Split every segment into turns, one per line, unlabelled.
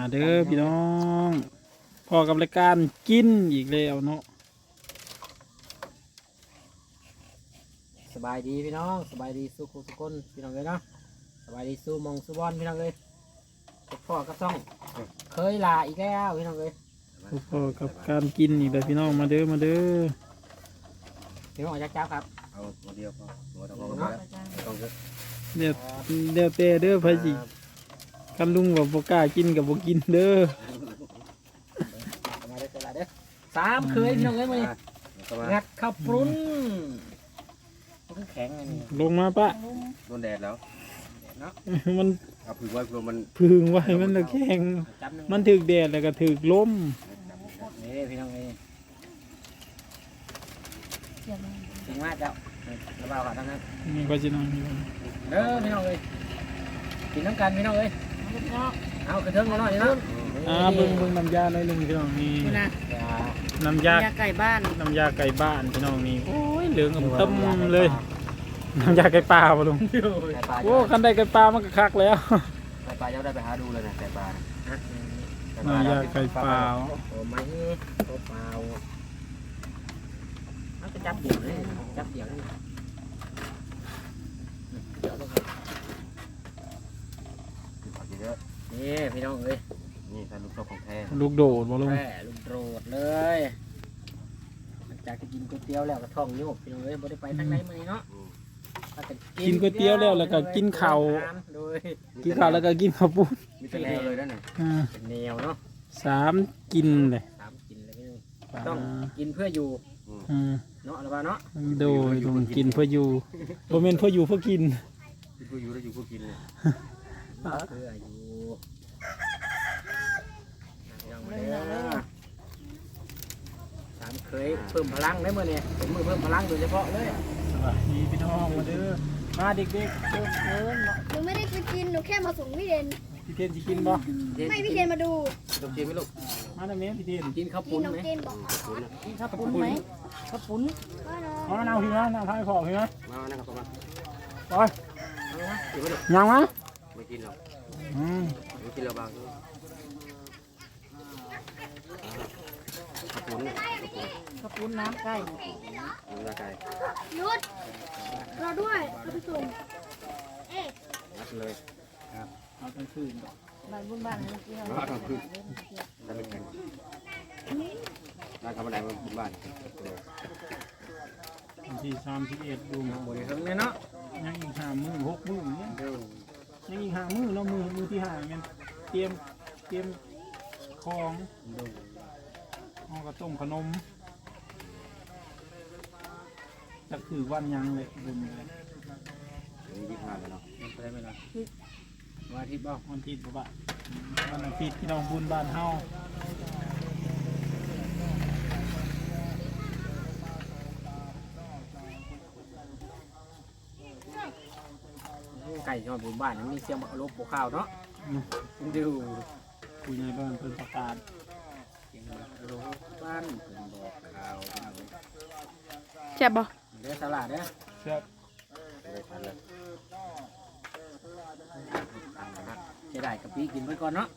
มาเด้อพี่น้องพอกับรายการกินอีกแล้วเนาะ
สบายดีพี่น้องสบายดีสู้สุคนพี่น้องเลยเนาะสบายดีสู้มองสู้บอลพี่น้องเลยพ่อกับซ่องเคยลาอีกแล้วพี่น้องเลย
พอกับการกินอีกแล้วพี่น้องมาเด้อมาเด้อ
พี่น้องจักครับ
เอาตัวเดียวพอตัวต้องเนาะต้องเยอะ
เดี๋ยวเตะเด้อพะจิกันลุงกับโบกล้ากินกับโบกินเด้อ
มาเด้อเด้อสามเคยพี่น้องเลยมางัดข้าวปรุ้นมันแข็งไงนี่
ลงมาปะ
โดนแดดแล้ว
มัน
เอาพึ่งไว้มัน
พึ่งไว้มันแข็งมันถึกแดดแล้วก็ถึกลม
นี่พี่น้องเลยถึงมากแล้วระบายขาทั้งนั้น
นี่ก็จะนอนอยู่
เด้อพี่น้องเลยกินน้ำกันพี่น้องเลยเอากระเทิงมาหน่อยนะ
เบิ่งน้ำยาหน่อยนึงพี่น้องนี่น้ำยา
ไก่บ้าน
น้ำยาไก่บ้านพี่น้องนี่โอ้ยเหลืองอมต้มเลยน้ำยาไก่ปลาป่ะลุงโอ้คันได้ไก่ปลามันก็คักแล้ว
ไก่ปลาจะได้ไปหาดูเลยนะไก่ปลา
น้ำยาไก่ปลา
โอ้ไม่ตัวเปล่ามันจะจับเดี่ยวเลยจับเดี่ยวเลยเดี๋ยวลงไปนี่พี่น้องเลย
นี่ท่านลูกโซ่ของแท้
ลูกโดดบ่ลุง
ลูกโดดเลยมันจากจะกินก๋วยเตี๋ยวแล้วก็ท้องโยกพี่น้องเลยบ่ได้ไปทางไหนมื้อนี้เนาะ
กินก๋วยเตี๋ยวแล้วก็กินข้าวกินข้าวแล้วก็กินข้าวปุ้น
มีเป็นแนวเลยนั่นน่ะ
เป็นแนวเนาะ
3กินเลย
3กินเลยพี่น้องต้องกินเพื่ออยู่เนาะอะไรบ้างเนาะ
โดยลุงกินเพื่ออยู่บ่แม่นเพื่ออยู่เพื่อกิน
เพื่ออยู่แล้วอยู่เพื่อกินเลย
เพื่ออยู่สามเคยเพิ่มพลังได้เมื่อเนี่ยเป็นมือเพิ่มพลังโดยเฉพาะเลย
สวัสดีพี่น้องมาเด้อมาเด็กๆ
หนูไม่ได้ไปกินหนูแค่มาส่งพี่เทน
พี่เทนจะกินบ่
ไม่พี่เทนมาดู
ต้องกินไหมลูก
มาได้ไหมพี่เทน
กินข้าวปุ้นไหม
กินข้าวปุ้นไหมข้าวปุ้น
เอาน้ำพี่นะน้ำพายขอพี่นะ
มานะครับมา
ไปยังมั้ย
ไม่กินหรอกไม่กินแล้วบางข้าวปุ้น
ข้าวปุ้นน้ำไก่
น้ำไก่
ยุดรอด้วยเราไปส่ง
นัดเลย
ครับเอาไปคืน
บ้านบุญบ้านนี่ที่เรา
เอาคืนได้ไม่แข็งได้ทำอะไรมาบุญบ้าน
ที่31ดู
บริสุทธิ์เลยเนาะ
ยังอีก5 มื้อ6 มื้อเนี่ยยังอีก5 มื้อเนาะมื้อที่5แม่นเตรียมของห่อกระต้มขนมจะคือวันยังเลยบุญเลย
25เลยเนาะ
มันได้ไหมล่ะวันอาทิตย์บ้าง
วันอาทิตย์บ่วันอาทิตย์พี่น้องบุญบ้านเฮา
ไก่ชอบบุญบ้านมีเสียงลบข้าวเนาะดู
คุยในบ้านเป็นประกาศ
เสียงลบบ้านเป็นบอกข่าว
แซ่บบ่
เดี๋ยวสลัดเด้อ
แซ่บ
จะได้กะปิกินไว้ก่อนเนาะ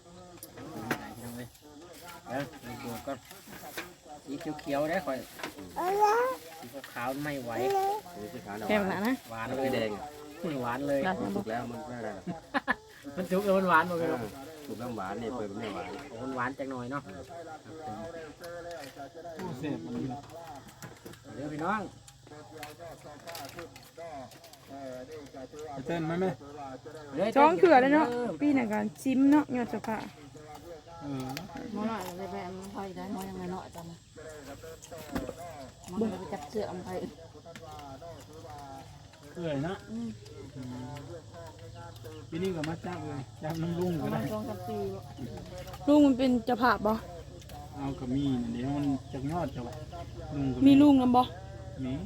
เดี๋ยวดูก็สีเขียวๆได้ค่อยสีขาวไม่ไหว
แซ่บนะ
หวานเลย
แดง
หวานเลย
สุกแล้วมันไม่ได้
มันสุกแล้วมันหวานหมดเลย
สุกแล้วหวานนี่เปิดไม่หวาน
มันหวานจังหน่อยเนาะ
เสร็จ
เดี๋ยวพี่น้อง
เต้นไหม
จ้องเขื่อเลยเนาะปีหนึ่งกันชิมเนาะยอดจะผ่า
มอหน่อยเลยไปมันพอได้มอยังไงเนาะจังมันไปจับเสือมันไป
เอื่อยนะปีนี้ก็มาจับเลยจับน้ำลุงก็ได้
ลุงมันเป็นจะผ่าบ่
เอากระมีเดี๋ยวมันจะยอดจะ
มีลุงนำบ่
มี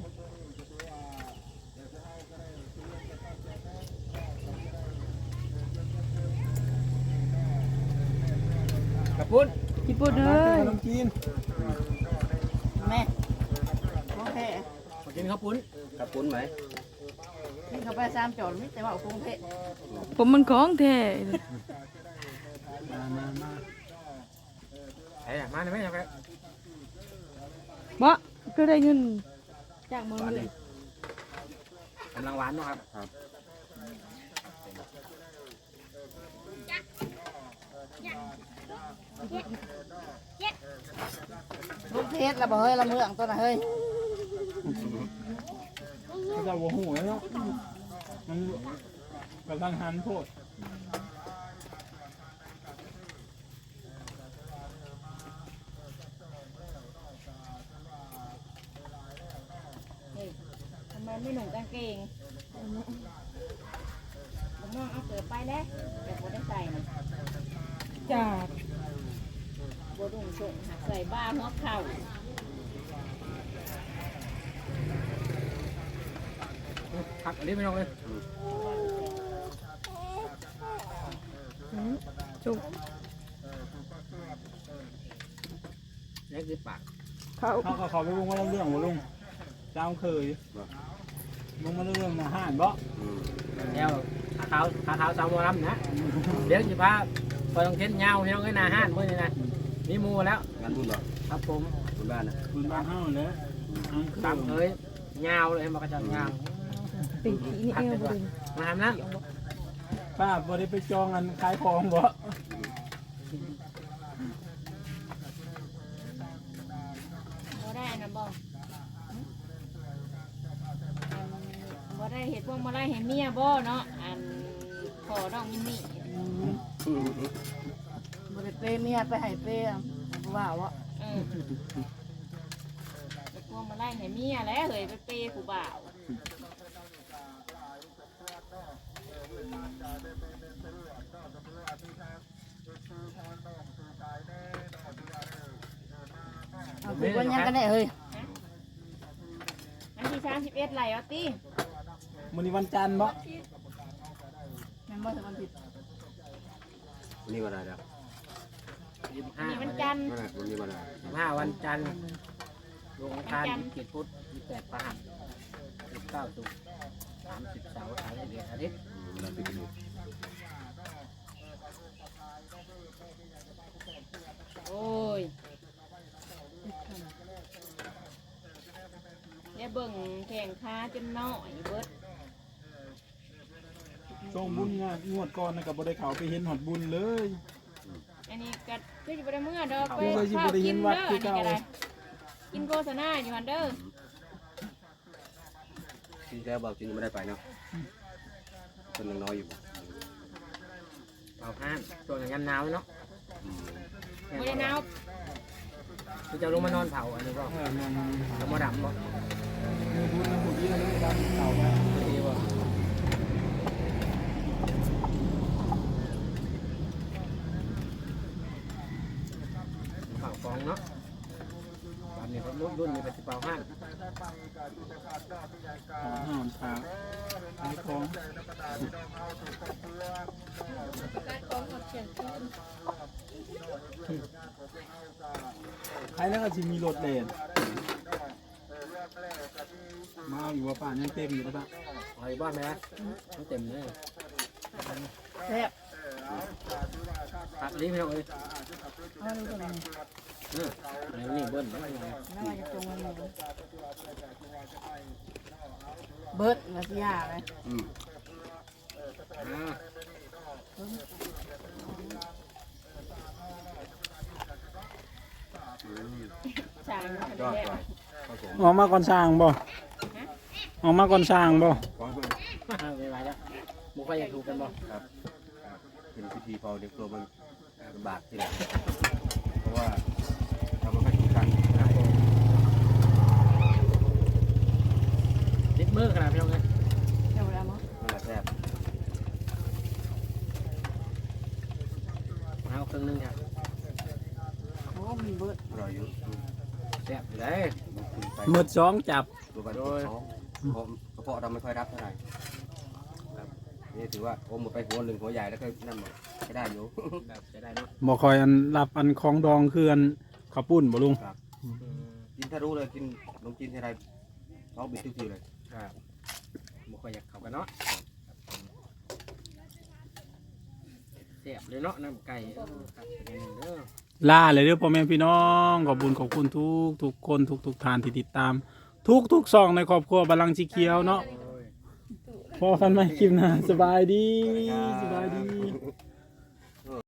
กระปุ้น
ญี่ปุ่นเลย
กิน
แม่โอเค
กินข้าวปุ้น
กระปุ้นไหม
นี่เขาไป3 จอดไม่แต่ว่าคงเพะ
ผมมันของแท้
มา
ไอ้มาได้ไหมยังไง
บ่ก็ได้เงิน
จากเมืองเลย
กำลังหวานเนาะครับ
ลูกเทศละบ่เฮ้ยละเมืองตัวน่ะเฮ้ย
เขาจะว่าหูแล้วเนาะมันกำลังหันโพด
ทำไมไม่หนุ่มกางเกงผมน้องเอาเกิดไปแล้วแต่บ่ได้ใส่นะ
จ้า
บ่ดุ่งส่งหักใส่บ้าหัวเข่า
ครับอันนี้ไม่ต้องเลย
จุก
เล็กคือปาก
เขา
เขาก็เขาไปวงว่าเรื่องว่าลุงเจ้าเคยมึงมาเรื่องมาห่านบ่
แล้วขาเท้าสาวมอลำนะเดี๋ยวจะพาไปต้องเทนเงาพี่น้องไอ้นาห้านมื้อนี้นะมีหมูแล้ว
งานบุญเหรอ
ครับผม
บุญบ้านนะ
คุณบ้านเฮาเลย
ตามเคยเงาเลยมากระจัดเงา
เป็นผีนี่เอวบ่ดึง
มาทำนะ
ป้าบ่ได้ไปจองอันขายของบ่
บ่ได้นะบ่บ่ได้เห็ดพวกบ่ได้เห็นเมียบ่เนาะอันขอน้องมินนี่บ่ได้เปเมียไปให้เปว่าวะเห็ดพวกบ่ได้เห็นเมียแล้วเฮ้ยไปเปผู้บ่าวเอาคือวันยังกันได้เฮ้ยวันที่31ไหลเอาติ
มื้อนี้วันจันทร์บ่
แม่นบ่ถึงวันผิด
วันนี้วันอะไรแล้ว
มีวันจันทร์
วันนี้วันอะไร
15วันจันทร์ลงทาน27พุธ28พฤหัส19ศุกร์30เสาร์31อาทิตย์
วันปิดอยู่
โอ้ยเนี่ยเบิ่งแข่งขาจนน้อยเบิด
ช่วงบุญงวดก่อนน่ะก็บ่ได้เข้าไปเห็นฮอดบุญเลย
อันนี้ก็คือสิบ่ได้เมื่อดอกไป
เคยสิ
ข้า
บ่
ว
ได้
กิ
เห็
น
น
เด้
วั
อ
ด
อัน
คือ
นี้
เก่า
ก็ได้กินโฆษณาอยู่หั่นเด้อ
ที่แท้บอกจริงไม่ได้ไปเนาะคนยังน้อยอยู่
เอาห้านช่วงนั้นหนาวเนาะ
บ่ได้หนาว
คือจะลงมานอนเผาอันนี้ก็
ๆ
จะมาดับบ่
มีบุญนะบุญที่เราได้ดันเก่าไป
ดีบ่เผาฟองเนาะตอนนี้เขารุ่นนี้เป็นสิเป่าห้าน
ห่อนขาขายของใครแล้วก็สิมีรถเล่นมาอยู่ว่าป่านยังเต็มอยู่แล้วป่ะ
เอาอีกบ้านไหมล่ะมันเต็มเลย
แซ่บ
ตัดลิ้นไม่ต้องเลย
เอาดูตัวนี้
เดี๋ยวนี่เบิ้ลไม่ต้องเลย
น่าจะตรงมันเลยเบิดมาสิยาเลย
อ่า
ช่างมัน
ยอด
แล้
ไป
ว
ผสม
ออกมาก่อนสร้างบ่ออกมาก่อนสร้างบ่
ของเพื่อน
ไม่ไหวแล้วมุกไปอยากถูกกันบ่
ครับเป็นพิธีพอเด็กตัวมันลำบากที่ไหนเพราะว่าเราไม่ค่อยถูกกัน
นิดมือขนาดพี่น้องเลย
เดี๋ยวแล้วมั้ง
นั่นแหละแซ่บ
เอาครึ่งนึงครับ
โอ้มีเบิด
อร่อยอยู่
แซ่บเลย
คุณไป
มืดสองจับ
ตัวไปท้องกระเพาะเราไม่ค่อยรับเท่าไหร่ครับนี่ถือว่าโอ้หมดไปหัวหนึ่งหัวใหญ่แล้วก็นั่นหมดไม่ได้อยู่
แบบจะได้เนาะ
บ่คอยอันรับอันของดองคืออันข้าวปุ้นบ่ลุง
กินถ้ารู้เลยกินลงกินทีไรท้องบิดทุกทีเลย
ครับมุกไปอยากเข้ากันเนาะแซ่บเลยเนาะน้ำไก่ครับเป็นอย่างหนึ่งเด้อ
ลาเลยเด้อพ่อแม่พี่น้องขอบคุณขอบคุณทุกคนทุกท่านที่ติดตาม ทุกซองในครอบครัวบาลังก์สีเขียวเนาะพอกันไหมคลิปหน้าสบายดีสบายดี